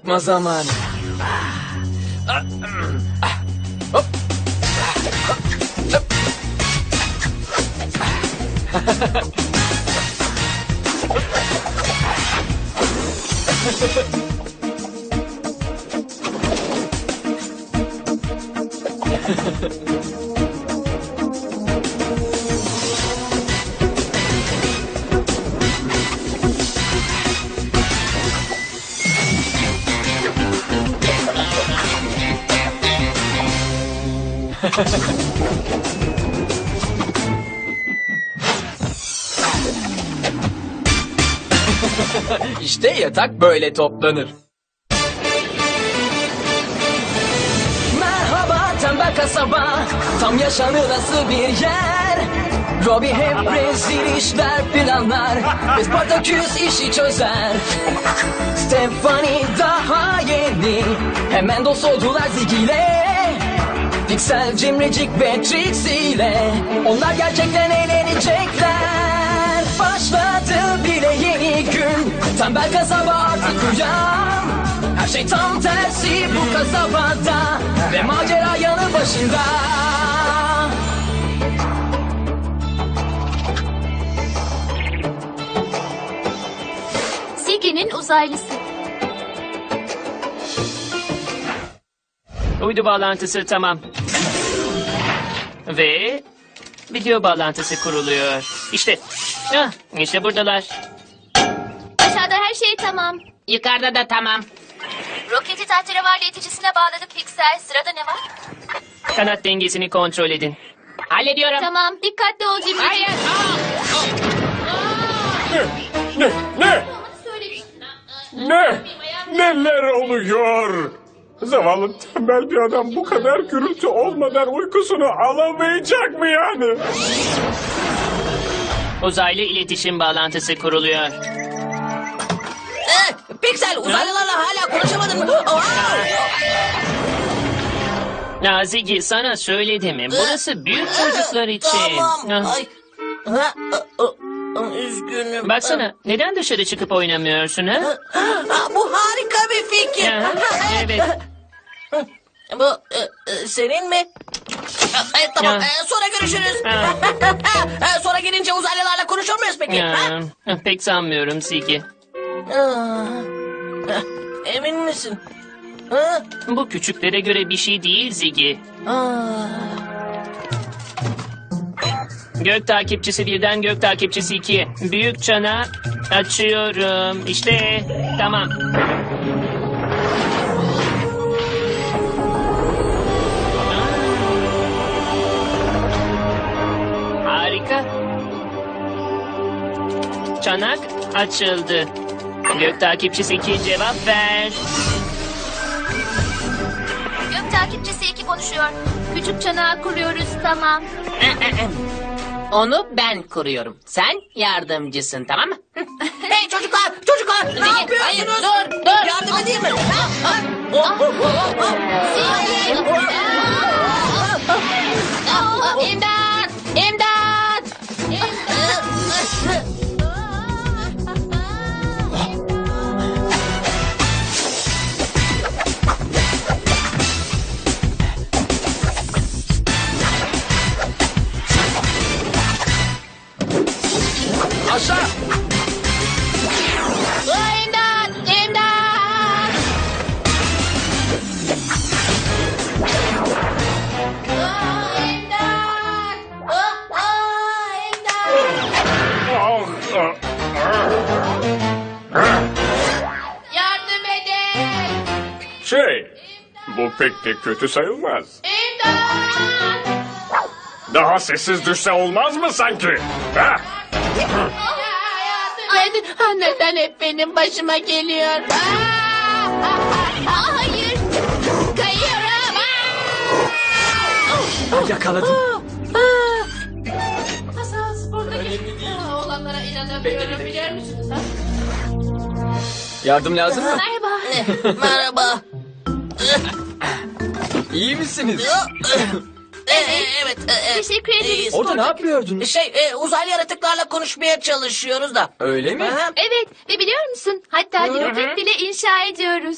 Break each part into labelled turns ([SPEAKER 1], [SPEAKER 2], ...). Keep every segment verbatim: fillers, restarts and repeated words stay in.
[SPEAKER 1] Atma zamanı. Hop. İşte yatak böyle toplanır. Merhaba tembel kasaba, tam yaşanılası bir yer. Robbie hep rezil işler planlar ve Spartaküs işi çözer. Stephanie daha yeni, hemen dost oldular Ziggy ile. Pixel, Cimricik ve Trixie ile onlar gerçekten eğlenecekler. Başladı bile yeni gün, tembel kasaba artık uyan. Her şey tam tersi bu kasabada ve macera yanı başında.
[SPEAKER 2] Ziggy'nin uzaylısı.
[SPEAKER 3] Uydu bağlantısı tamam. Ve video bağlantısı kuruluyor. İşte, ah, işte buradalar.
[SPEAKER 2] Aşağıda her şey tamam.
[SPEAKER 3] Yukarıda da tamam.
[SPEAKER 2] Roketi tahterevalli yeticisine bağladık Pixel. Sırada ne var?
[SPEAKER 3] Kanat dengesini kontrol edin. Hallediyorum.
[SPEAKER 2] Tamam, dikkatli ol Cimricik.
[SPEAKER 3] Hayır.
[SPEAKER 4] Ne? Ne? Ne? Neler oluyor? Zavallı tembel bir adam bu kadar gürültü olmadan uykusunu alamayacak mı yani?
[SPEAKER 3] Uzaylı iletişim bağlantısı kuruluyor.
[SPEAKER 5] Eh, Pixel uzaylılarla hala konuşamadın mı? Aa!
[SPEAKER 3] Ya Ziggy sana söyledim mi? Burası büyük çocuklar için.
[SPEAKER 5] Tamam.
[SPEAKER 3] Ah,
[SPEAKER 5] Ay. Ha, a- a- a- üzgünüm.
[SPEAKER 3] Baksana neden dışarı çıkıp oynamıyorsun ha?
[SPEAKER 5] Ha, bu harika bir fikir.
[SPEAKER 3] Ya, evet.
[SPEAKER 5] Bu e, e, senin mi? E, tamam.
[SPEAKER 3] Ya.
[SPEAKER 5] E, sonra görüşürüz.
[SPEAKER 3] Ha.
[SPEAKER 5] E, sonra gelince uzaylılarla konuşur muyuz peki? Ha?
[SPEAKER 3] Ya, pek sanmıyorum Ziggy.
[SPEAKER 5] Aa, emin misin? Ha?
[SPEAKER 3] Bu küçüklere göre bir şey değil Ziggy.
[SPEAKER 5] Aa.
[SPEAKER 3] Gök takipçisi birden gök takipçisi ikiye. Büyük çana açıyorum. İşte tamam. Harika. Çanak açıldı. Gök takipçisi iki cevap ver.
[SPEAKER 2] Gök takipçisi iki konuşuyor. Küçük çanağı kuruyoruz, tamam.
[SPEAKER 5] Onu ben kuruyorum. Sen yardımcısın, tamam mı? Hey çocuklar, çocuklar, ne yapıyorsunuz? Hayır, dur, dur. Yardım edeyim mi? Ha, ha. Oh, oh, oh, oh.
[SPEAKER 2] Ziggy! Aa,
[SPEAKER 5] İmdat! İmdat!
[SPEAKER 1] Aşağı.
[SPEAKER 5] İmdat! İmdat! İmdat! İmdat! Yardım edin!
[SPEAKER 4] Şey, bu pek de kötü sayılmaz.
[SPEAKER 5] İmdat!
[SPEAKER 4] Daha sessiz düşse olmaz mı sanki? Ha?
[SPEAKER 5] Yardım edin! Neden hep benim başıma geliyor?
[SPEAKER 2] Aa, hayır. Kayıyorum.
[SPEAKER 1] Ah, yakaladım.
[SPEAKER 5] Hasan spordaki olanlara inanamıyorum biliyor musun?
[SPEAKER 1] Yardım lazım mı?
[SPEAKER 2] Merhaba.
[SPEAKER 5] Merhaba.
[SPEAKER 1] İyi misiniz?
[SPEAKER 5] Evet. evet. e, e,
[SPEAKER 2] Teşekkür ederiz.
[SPEAKER 5] e,
[SPEAKER 6] Orada ne yapıyordunuz?
[SPEAKER 5] Şey, e, uzaylı yaratıklarla konuşmaya çalışıyoruz da.
[SPEAKER 6] Öyle mi?
[SPEAKER 5] Aha.
[SPEAKER 2] Evet ve biliyor musun? Hatta bir roket bile inşa ediyoruz.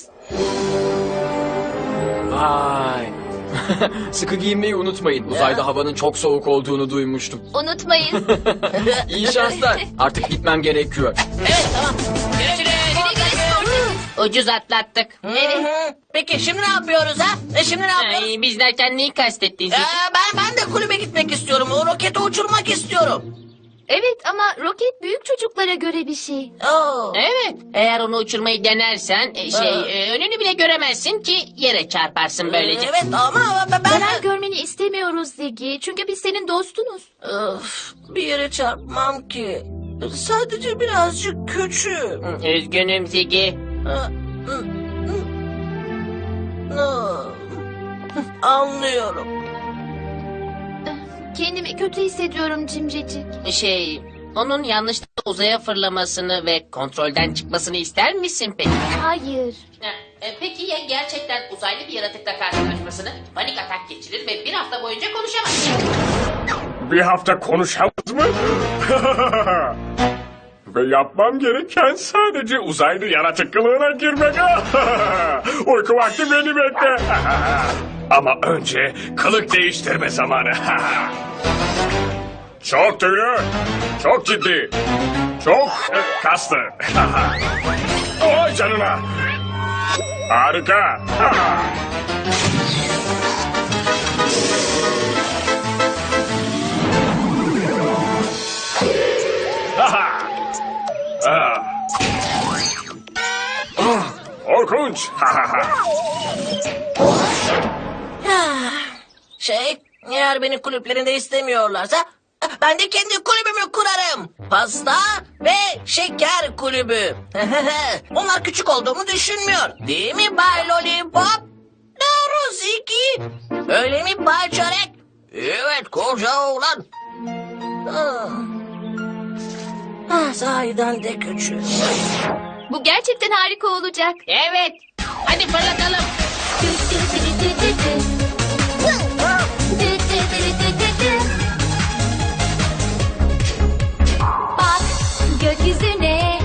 [SPEAKER 6] Vay. Sıkı giyinmeyi unutmayın. Uzayda havanın çok soğuk olduğunu duymuştum.
[SPEAKER 2] Unutmayın.
[SPEAKER 6] İyi şanslar. Artık gitmem gerekiyor.
[SPEAKER 5] Evet, tamam. Görüşürüz.
[SPEAKER 2] Güle güle Sportaküs.
[SPEAKER 5] Ucuz atlattık. Evet. Peki şimdi ne yapıyoruz ha? E şimdi ne yapıyoruz?
[SPEAKER 3] Ay, biz derken neyi kastettin
[SPEAKER 5] Ee,
[SPEAKER 3] Zeki?
[SPEAKER 5] ben ben de kulübe gitmek istiyorum. O roketi uçurmak istiyorum.
[SPEAKER 2] Evet ama roket büyük çocuklara göre bir şey.
[SPEAKER 5] Oo.
[SPEAKER 3] Evet. Eğer onu uçurmayı denersen e, şey
[SPEAKER 5] Ha.
[SPEAKER 3] e, önünü bile göremezsin ki yere çarparsın böylece.
[SPEAKER 5] Evet ama ben...
[SPEAKER 2] Zarar görmeni istemiyoruz Ziggy. Çünkü biz senin dostunuz.
[SPEAKER 5] Öf, bir yere çarpmam ki. Sadece birazcık küçüğüm.
[SPEAKER 3] Üzgünüm Zeki.
[SPEAKER 5] Anlıyorum.
[SPEAKER 2] Kendimi kötü hissediyorum Cimricik.
[SPEAKER 3] Şey, onun yanlışlıkla uzaya fırlamasını ve kontrolden çıkmasını ister misin peki?
[SPEAKER 2] Hayır.
[SPEAKER 3] Ha, e, Peki ya gerçekten uzaylı bir yaratıkla karşılaşmasını, panik atak geçirir ve bir hafta boyunca konuşamaz?
[SPEAKER 4] Bir hafta konuşamaz mı? Ve yapmam gereken sadece uzaylı yaratık kılığına girmek. Uyku vakti beni bekle. Ama önce kılık değiştirme zamanı. Çok tüylü, çok ciddi, çok e, kaslı. Oy canına. Harika. Ah. Ah, korkunç.
[SPEAKER 5] Şey, eğer beni kulüplerinde istemiyorlarsa ben de kendi kulübümü kurarım. Pasta ve şeker kulübü. Onlar küçük olduğumu düşünmüyor. Değil mi Bay Lollipop? Doğru Ziki. Öyle mi Bay Çörek? Evet koca oğlan. Ah. Ah, sahiden de küçük.
[SPEAKER 2] Bu gerçekten harika olacak.
[SPEAKER 3] Evet. Hadi fırlatalım.
[SPEAKER 2] Bak gökyüzüne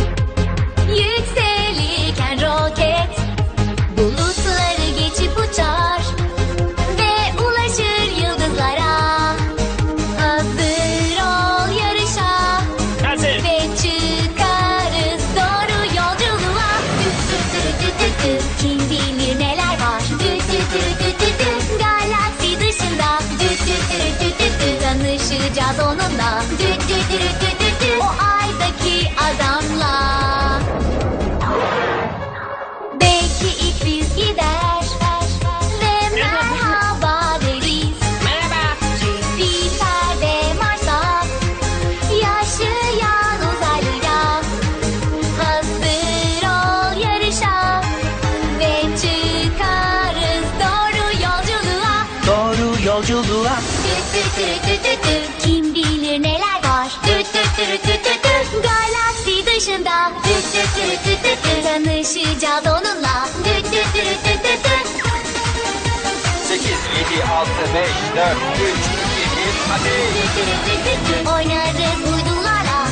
[SPEAKER 2] yükselirken roket bulutları geçip uçar ve ulaşır yıldızlara. Hazır ol yarışa
[SPEAKER 3] Hazır.
[SPEAKER 2] ve çıkarız doğru yolculuğa. Dü dü dü dü dü dü. Kim bilir neler var. Dü dü dü dü dü dü. Galaksi dışında. Dü dü dü dü dü dü. Tanışacağız onunla. Dü dü dü dü dü dü. O aydaki adamla. Belki ilk biz gider ve merhaba deriz.
[SPEAKER 3] Merhaba.
[SPEAKER 2] Jüpiter ve Mars'a yaşayan uzaylıya. Hazır ol yarışa ve çıkarız doğru yolculuğa.
[SPEAKER 6] Doğru yolculuğa.
[SPEAKER 2] Dü dü dü dü dü dü. Kim bilir neler var. Dü dü dü dü dü dü. Galaksi dışında. Dü dü dü dü dü dü. Tanışacağız onunla. Dü dü dü dü dü dü.
[SPEAKER 6] sekiz, yedi, altı, beş, dört, üç, iki, bir, hadi.
[SPEAKER 2] Oynarız uydularla.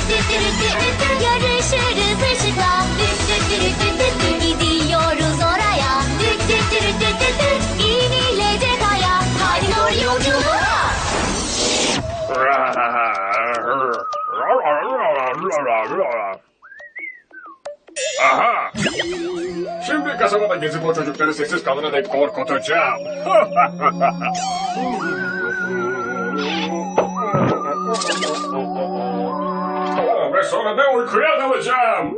[SPEAKER 2] Yarışırız ışıkla. Gidiyoruz oraya. İnilecek aya. Hadi doğru yolculuğa.
[SPEAKER 4] Aha! Şimdi kasabada gezip o çocukları sessiz kalana dek korkutacağım. Ve sonra da uykuya dalacağım.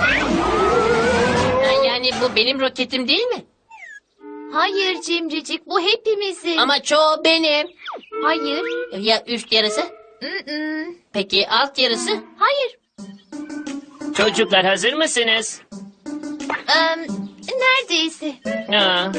[SPEAKER 3] Ha, Yani bu benim roketim değil mi?
[SPEAKER 2] Hayır Cimricik, bu hepimizin.
[SPEAKER 3] Ama çoğu benim.
[SPEAKER 2] Hayır.
[SPEAKER 3] Ya üst yarısı?
[SPEAKER 2] Mm-mm.
[SPEAKER 3] Peki alt yarısı?
[SPEAKER 2] Hayır.
[SPEAKER 3] Çocuklar hazır mısınız?
[SPEAKER 2] Em, neredeyse.
[SPEAKER 3] Ha.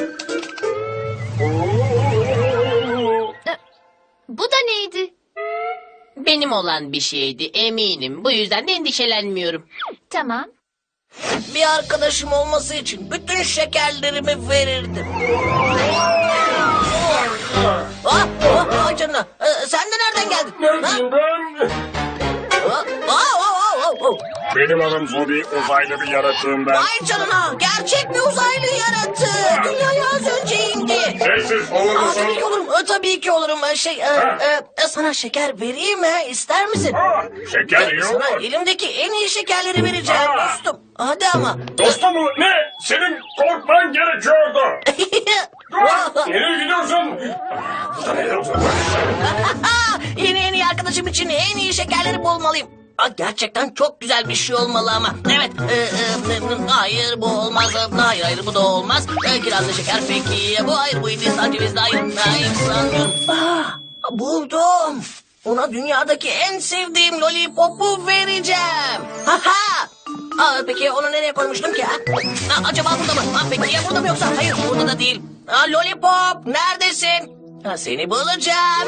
[SPEAKER 2] E, Bu da neydi?
[SPEAKER 3] Benim olan bir şeydi eminim. Bu yüzden de endişelenmiyorum.
[SPEAKER 2] Tamam.
[SPEAKER 5] Bir arkadaşım olması için bütün şekerlerimi verirdim. Aa, aa, ay canına. Ee, sen de nereden geldin? Ha?
[SPEAKER 4] Neredeyim ben?
[SPEAKER 5] Aa, aa, aa, aa, aa.
[SPEAKER 4] Benim adım Zobi, uzaylı bir yaratığım ben.
[SPEAKER 5] Ay canına. Gerçek bir uzaylı yaratığı. Dünyaya az önce indi.
[SPEAKER 4] Sessiz olur
[SPEAKER 5] Aa,
[SPEAKER 4] musun?
[SPEAKER 5] tabii ki olurum. Ee, tabii ki olurum. Ee, Şey, e, e, sana şeker vereyim mi? İster misin?
[SPEAKER 4] Aa, şeker iyi
[SPEAKER 5] Sana
[SPEAKER 4] olur.
[SPEAKER 5] elimdeki en iyi şekerleri vereceğim
[SPEAKER 4] Aa.
[SPEAKER 5] dostum. Hadi ama.
[SPEAKER 4] Dostum mu? Ne? Senin korkman gerekiyordu. Dur, nereye gidiyorsun? Burada neler oluyor?
[SPEAKER 5] yeni en iyi arkadaşım için en iyi şekerleri bulmalıyım. Aa, gerçekten çok güzel bir şey olmalı ama. Evet. e, e, e, hayır bu olmaz. E, Hayır hayır bu da olmaz. E, kirazlı şeker peki. Bu hayır bu Hindistan cevizli hayır. Hayır sanmıyorum. Ah, buldum. Ona dünyadaki en sevdiğim lollipopu vereceğim. Ha ha. Aa, peki onu nereye koymuştum ki? Ha? Ha, acaba burada mı? Ha, peki ya burada mı yoksa? Hayır burada da değil. Ha, lollipop neredesin? Ha, seni bulacağım.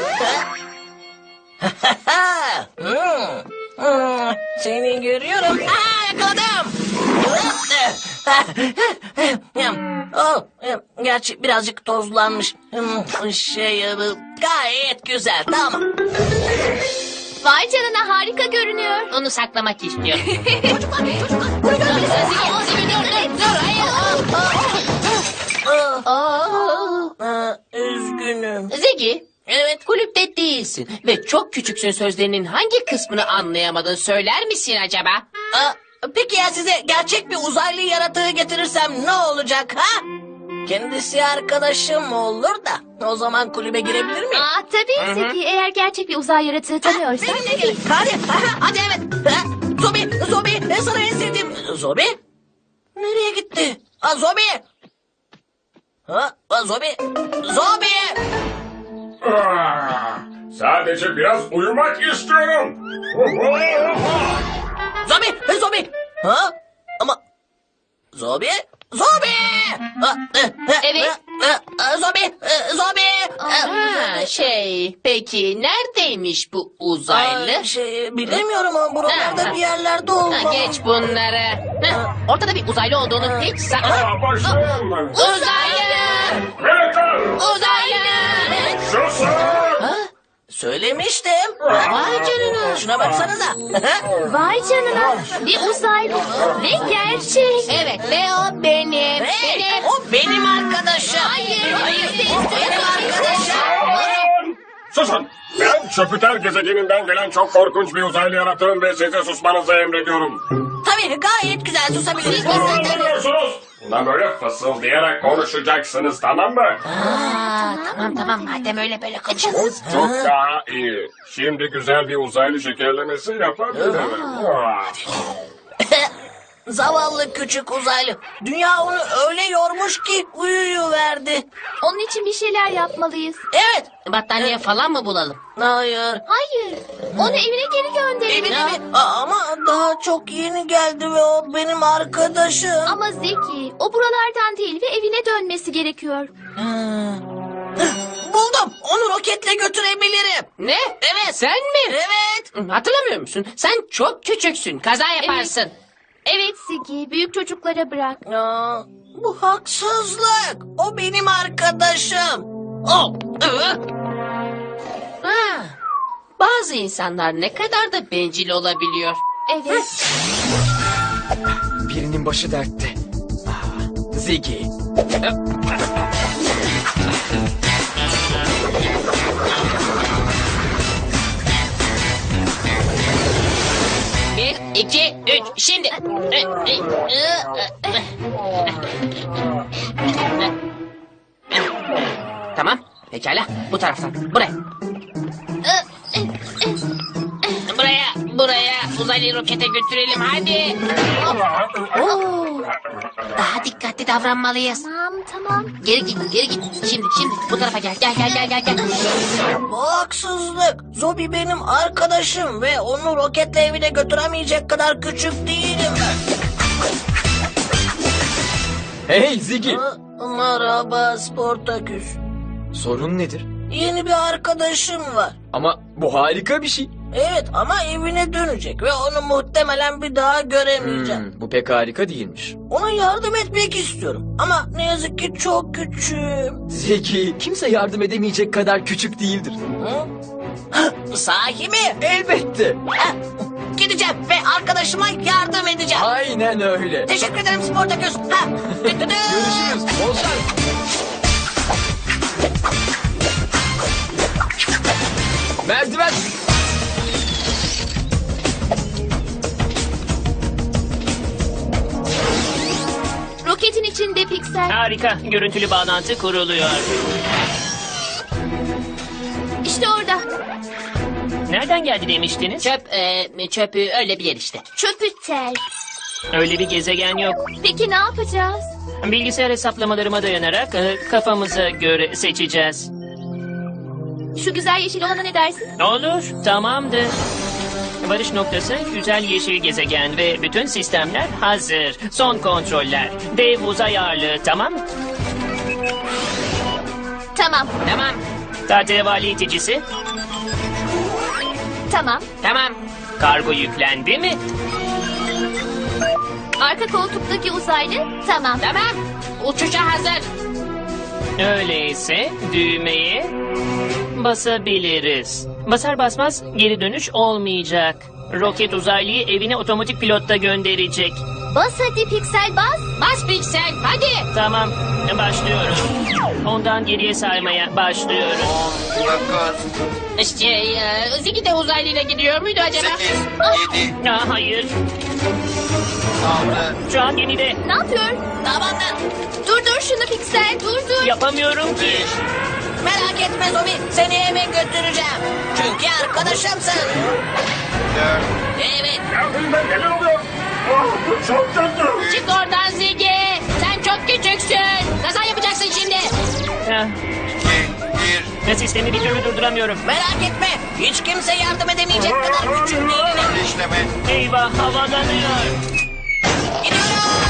[SPEAKER 5] Ha? Hmm. Hmm. Seni görüyorum. Aa, yakaladım. Oh, gerçi birazcık tozlanmış. Hmm, Şey, e, gayet güzel. Tamam.
[SPEAKER 2] Vay canına harika görünüyor.
[SPEAKER 3] Onu saklamak istiyor.
[SPEAKER 2] Çocuklar, çocuklar. Bunu görmeliyiz.
[SPEAKER 5] Aa, üzgünüm.
[SPEAKER 3] Ziggy,
[SPEAKER 5] Evet.
[SPEAKER 3] kulüpte değilsin ve çok küçüksün sözlerinin hangi kısmını anlayamadın söyler misin acaba?
[SPEAKER 5] Aa, peki ya size gerçek bir uzaylı yaratığı getirirsem ne olacak ha? Kendisi arkadaşım olur da o zaman kulübe girebilir miyim?
[SPEAKER 2] Aa, tabii Zeki. Eğer gerçek bir uzay yaratığı tanıyorsan.
[SPEAKER 5] Benimle gelin. Hadi, hadi evet. Ha, Zobi, Zobi, ne sana en sevdiğim... Zobi? Nereye gitti? Ha, Zobi! Ha, ha, Zobi, Zobi!
[SPEAKER 4] Ah, sadece biraz uyumak istiyorum.
[SPEAKER 5] Zobi, Zobi! Ha? Ama... Zobi, Zobi! Ha, e, e,
[SPEAKER 2] Evet.
[SPEAKER 5] e, e, Zobi, e, Zobi!
[SPEAKER 3] Ha, şey, peki neredeymiş bu uzaylı?
[SPEAKER 5] Aa, şey, bilemiyorum ama buralarda
[SPEAKER 3] Ha,
[SPEAKER 5] bir yerlerde
[SPEAKER 3] Ha,
[SPEAKER 5] olmalı.
[SPEAKER 3] geç bunları. Ha, ortada bir uzaylı olduğunu hiç sa...
[SPEAKER 4] Aa, başlayalım.
[SPEAKER 3] Uzaylı!
[SPEAKER 4] Veletler!
[SPEAKER 3] Uzaylı!
[SPEAKER 4] Susun!
[SPEAKER 5] Söylemiştim.
[SPEAKER 3] Vay canına.
[SPEAKER 5] Şuna baksanıza.
[SPEAKER 2] Vay canına. Bir uzaylı. Ve gerçek.
[SPEAKER 3] Evet ve o benim.
[SPEAKER 5] Hey,
[SPEAKER 3] Benim.
[SPEAKER 5] o benim arkadaşım.
[SPEAKER 2] Hayır,
[SPEAKER 5] hayır,
[SPEAKER 2] biz de
[SPEAKER 5] o benim arkadaşım.
[SPEAKER 4] Susun! Susun! Ben Jüpiter gezegeninden gelen çok korkunç bir uzaylı yaratığım ve size susmanızı emrediyorum.
[SPEAKER 5] Tabii gayet güzel susabiliriz.
[SPEAKER 4] Bunu anlamıyorsunuz. Bundan böyle fısıldayarak konuşacaksınız, tamam mı?
[SPEAKER 3] Aa, tamam tamam madem öyle böyle kaçın.
[SPEAKER 4] Çok daha iyi. Şimdi güzel bir uzaylı şekerlemesi yapabilirim. Ah.
[SPEAKER 5] Zavallı küçük uzaylı. Dünya onu öyle yormuş ki uyuyuverdi.
[SPEAKER 2] Onun için bir şeyler yapmalıyız.
[SPEAKER 5] Evet.
[SPEAKER 3] Battaniye falan mı bulalım?
[SPEAKER 5] Hayır.
[SPEAKER 2] Hayır. Onu evine geri gönderelim.
[SPEAKER 5] Evine mi? Aa, ama daha çok yeni geldi ve o benim arkadaşım.
[SPEAKER 2] Ama Zeki, o buralardan değil ve evine dönmesi gerekiyor.
[SPEAKER 5] Buldum. Onu roketle götürebilirim.
[SPEAKER 3] Ne?
[SPEAKER 5] Evet.
[SPEAKER 3] Sen mi?
[SPEAKER 5] Evet.
[SPEAKER 3] Hatırlamıyor musun? Sen çok küçüksün. Kaza yaparsın.
[SPEAKER 2] Evet Zeki, büyük çocuklara bırak.
[SPEAKER 5] Aa, bu haksızlık. O benim arkadaşım. Oh. ıı.
[SPEAKER 3] Ha. Bazı insanlar ne kadar da bencil olabiliyor.
[SPEAKER 2] Evet.
[SPEAKER 6] Birinin başı dertte. Ah, Ziggy.
[SPEAKER 3] Bir, iki, üç. Şimdi. Tamam. Pekala. Bu taraftan. Buraya. Buraya. Buraya. Uzaylı rokete götürelim. Hadi. Oo. Daha dikkatli davranmalıyız.
[SPEAKER 2] Tamam, tamam.
[SPEAKER 3] Geri git. Geri git. Şimdi. Şimdi. Bu tarafa gel. Gel gel gel gel. gel.
[SPEAKER 5] Bu haksızlık. Zobi benim arkadaşım ve onu roketle evine götüremeyecek kadar küçük değilim ben.
[SPEAKER 6] Hey Ziggy.
[SPEAKER 5] Ha, Merhaba Sportaküs.
[SPEAKER 6] Sorun nedir?
[SPEAKER 5] Yeni bir arkadaşım var.
[SPEAKER 6] Ama bu harika bir şey.
[SPEAKER 5] Evet ama evine dönecek ve onu muhtemelen bir daha göremeyeceğim.
[SPEAKER 6] Hmm, bu pek harika değilmiş.
[SPEAKER 5] Ona yardım etmek istiyorum ama ne yazık ki çok küçüğüm.
[SPEAKER 6] Zeki, kimse yardım edemeyecek kadar küçük değildir.
[SPEAKER 5] Hı? Sahi mi?
[SPEAKER 6] Elbette.
[SPEAKER 5] Ha, Gideceğim ve arkadaşıma yardım edeceğim.
[SPEAKER 6] Aynen öyle.
[SPEAKER 5] Teşekkür ederim Sportaküs. Ha.
[SPEAKER 6] Görüşürüz. Bol şans. Merdiven.
[SPEAKER 2] Roketin içinde piksel.
[SPEAKER 3] Harika. Görüntülü bağlantı kuruluyor.
[SPEAKER 2] İşte orada.
[SPEAKER 3] Nereden geldi demiştiniz?
[SPEAKER 5] Çöp, e, çöpü öyle bir yer işte.
[SPEAKER 2] Çöpütel.
[SPEAKER 3] Öyle bir gezegen yok.
[SPEAKER 2] Peki ne yapacağız?
[SPEAKER 3] Bilgisayar hesaplamalarıma dayanarak e, kafamıza göre seçeceğiz.
[SPEAKER 2] Şu güzel yeşil olana ne dersin?
[SPEAKER 3] Olur, tamamdır. Varış noktası güzel yeşil gezegen ve bütün sistemler hazır. Son kontroller. Dev uzay ağırlığı, tamam mı?
[SPEAKER 2] Tamam.
[SPEAKER 5] Tamam,
[SPEAKER 3] Tahtevali iticisi,
[SPEAKER 2] Tamam.
[SPEAKER 5] tamam.
[SPEAKER 3] kargo yüklendi mi?
[SPEAKER 2] Arka koltuktaki uzaylı. Tamam.
[SPEAKER 5] Tamam. Uçuşa hazır.
[SPEAKER 3] Öyleyse düğmeye basabiliriz. Basar basmaz geri dönüş olmayacak. Roket uzaylıyı evine otomatik pilotta gönderecek.
[SPEAKER 2] Bas hadi piksel bas.
[SPEAKER 5] Bas piksel, hadi.
[SPEAKER 3] Tamam, başlıyorum. Ondan geriye saymaya başlıyorum.
[SPEAKER 5] Şey, e, Ziggy de uzaylıyla gidiyor muydu acaba?
[SPEAKER 7] yedi,
[SPEAKER 3] Aa, hayır,
[SPEAKER 7] altı,
[SPEAKER 3] şu an gemide.
[SPEAKER 2] Ne yapıyor?
[SPEAKER 5] Tamamdır.
[SPEAKER 2] Dur dur şunu piksel. Dur dur.
[SPEAKER 3] Yapamıyorum ki.
[SPEAKER 7] beş,
[SPEAKER 5] Merak etme Zobi, seni eve götüreceğim. Çünkü arkadaşımsın.
[SPEAKER 7] dört,
[SPEAKER 5] Evet.
[SPEAKER 4] Kendimden neler oluyor? Ah, bu çok kötü.
[SPEAKER 5] Çık oradan Ziggy. Sen çok küçüksün. Kaza yapacaksın şimdi.
[SPEAKER 3] Ah,
[SPEAKER 7] iki, bir,
[SPEAKER 3] ve sistemi bir türlü durduramıyorum.
[SPEAKER 5] Merak etme. Hiç kimse yardım edemeyecek kadar küçük değilim.
[SPEAKER 7] işleme,
[SPEAKER 3] Eyvah, havalanıyor.
[SPEAKER 5] Gidiyorum.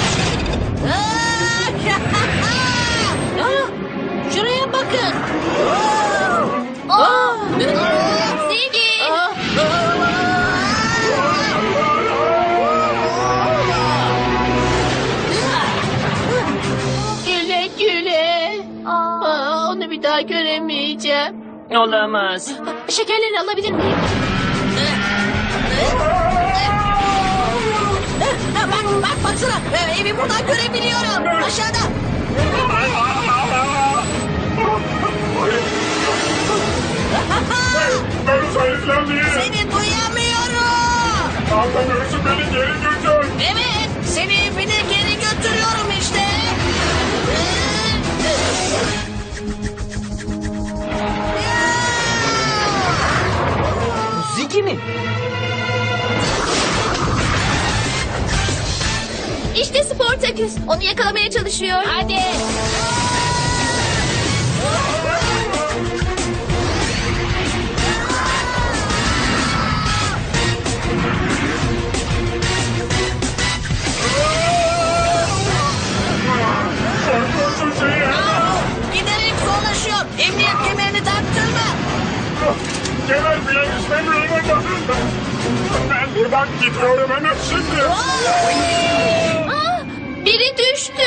[SPEAKER 5] Aa, şuraya bakın.
[SPEAKER 2] Aa! Ziggy.
[SPEAKER 5] Güle güle.
[SPEAKER 2] Aa.
[SPEAKER 5] Aa, onu bir daha göremeyeceğim.
[SPEAKER 3] Olamaz.
[SPEAKER 2] Şekerlerini alabilir miyim?
[SPEAKER 5] Ha, bak, bak baksana. Ee, Evi buradan görebiliyorum. Aşağıda.
[SPEAKER 4] Ben uzaylılar değilim.
[SPEAKER 5] Seni duyamıyorum.
[SPEAKER 4] Anlamıyorsun, beni geri götür.
[SPEAKER 5] Evet, seni evine geri götürüyorum işte.
[SPEAKER 6] Zeki mi?
[SPEAKER 2] İşte Sportaküs. Onu yakalamaya çalışıyor.
[SPEAKER 5] Hadi.
[SPEAKER 4] Korkunç şey ya.
[SPEAKER 5] Giderek zorlaşıyor. Emniyet kemerini taktırma.
[SPEAKER 4] Kemer bile istemiyorum ama. Ben buradan gidiyorum hemen şimdi.
[SPEAKER 2] Aa, biri düştü.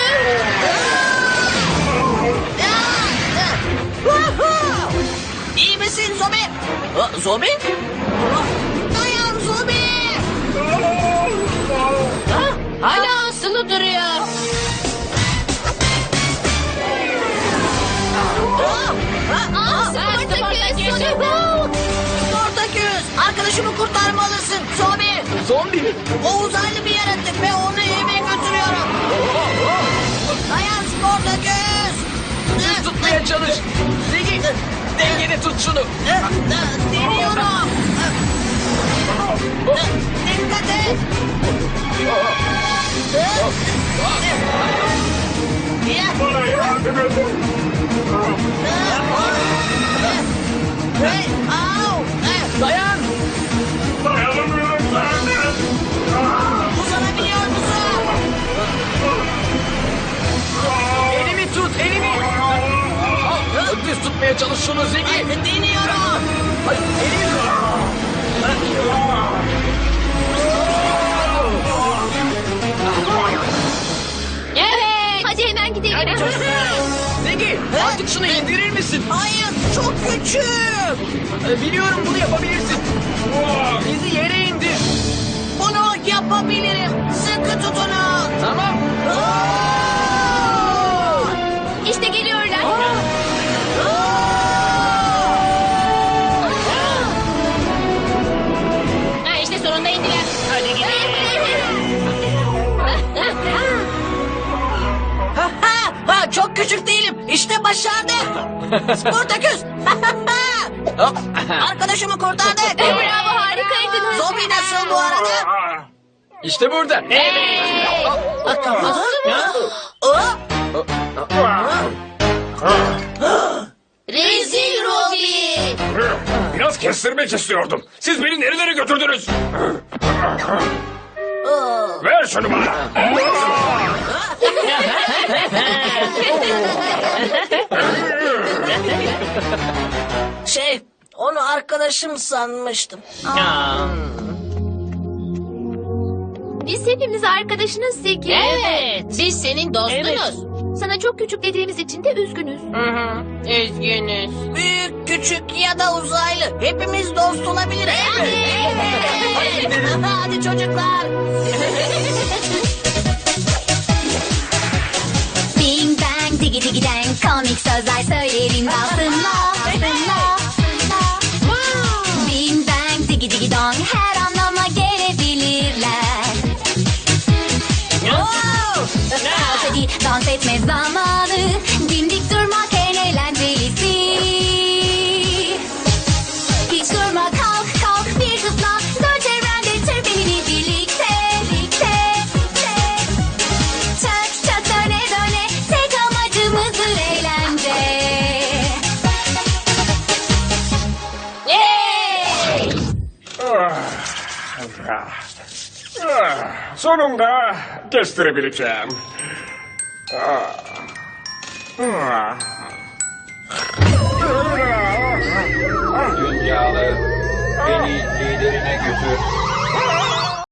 [SPEAKER 5] İyi misin Zobi? Ha, Zobi? Dayan Zobi. Ha, hala asılı duruyor.
[SPEAKER 2] Aa, Sportaküs. Sonic.
[SPEAKER 5] Sportaküs, arkadaşımı kurtarmalısın. Zobi,
[SPEAKER 6] Zombi mi?
[SPEAKER 5] o uzaylı bir yaratık ve onu eve götürüyorum. Dayan Sportaküs.
[SPEAKER 6] Tutmaya çalış. Zeki, dengede tut şunu.
[SPEAKER 5] Deniyorum. Dikkat et.
[SPEAKER 4] Bana yardım edin.
[SPEAKER 5] Hey, au.
[SPEAKER 6] Dayan.
[SPEAKER 4] Dayanamıyorum zaten.
[SPEAKER 5] Uzanabiliyor musun?
[SPEAKER 6] Elimi tut, elimi. Al, düz tutmaya çalış şunu Zeki.
[SPEAKER 5] Deniyorum.
[SPEAKER 6] Hayır, elimi tut.
[SPEAKER 3] Hadi çocuklar.
[SPEAKER 6] Zeki artık şunu indirir misin?
[SPEAKER 5] Hayır, çok küçük.
[SPEAKER 6] Ee, Biliyorum bunu yapabilirsin. Bizi yere indir.
[SPEAKER 5] Bunu yapabilirim. Sıkı tutunun.
[SPEAKER 6] Tamam.
[SPEAKER 2] İşte geliyorlar. Ha, işte sonunda indiler.
[SPEAKER 3] Hadi gidelim.
[SPEAKER 5] Ha, ha, ha, çok küçük değilim. İşte başardık. Sportaküs. Arkadaşımı kurtardık.
[SPEAKER 2] Bravo, harikaydınız.
[SPEAKER 5] Zombi nasıl bu arada?
[SPEAKER 6] İşte burada.
[SPEAKER 2] Rezil Robi.
[SPEAKER 4] Biraz kestirmek istiyordum. Siz beni nerelere götürdünüz? Ver şunu bana.
[SPEAKER 5] Şey, onu arkadaşım sanmıştım.
[SPEAKER 3] Aa,
[SPEAKER 2] Biz hepimiz arkadaşınız Zeki.
[SPEAKER 8] Evet, biz senin dostunuz.
[SPEAKER 2] Sana çok küçük dediğimiz için de üzgünüz.
[SPEAKER 8] Hı hı, üzgünüz.
[SPEAKER 5] Büyük, küçük ya da uzaylı. Hepimiz dost olabiliriz. Hadi çocuklar.
[SPEAKER 2] Bing bang digi digi dang komik sözler söylerim altınla altınla. Bing bang digi digi dong her anlama gelebilirler. Hadi dans etme zamanı, dimdik durmak en eğlencelisi. Hiç durma, kalk kalk bir zıpla, dön çevrende tır benimle birlikte birlikte. Çak çak döne döne, tek amacımızdır eğlence. Hey!
[SPEAKER 4] Sonunda kestirebileceğim.
[SPEAKER 9] Dünyalı beni liderine götür.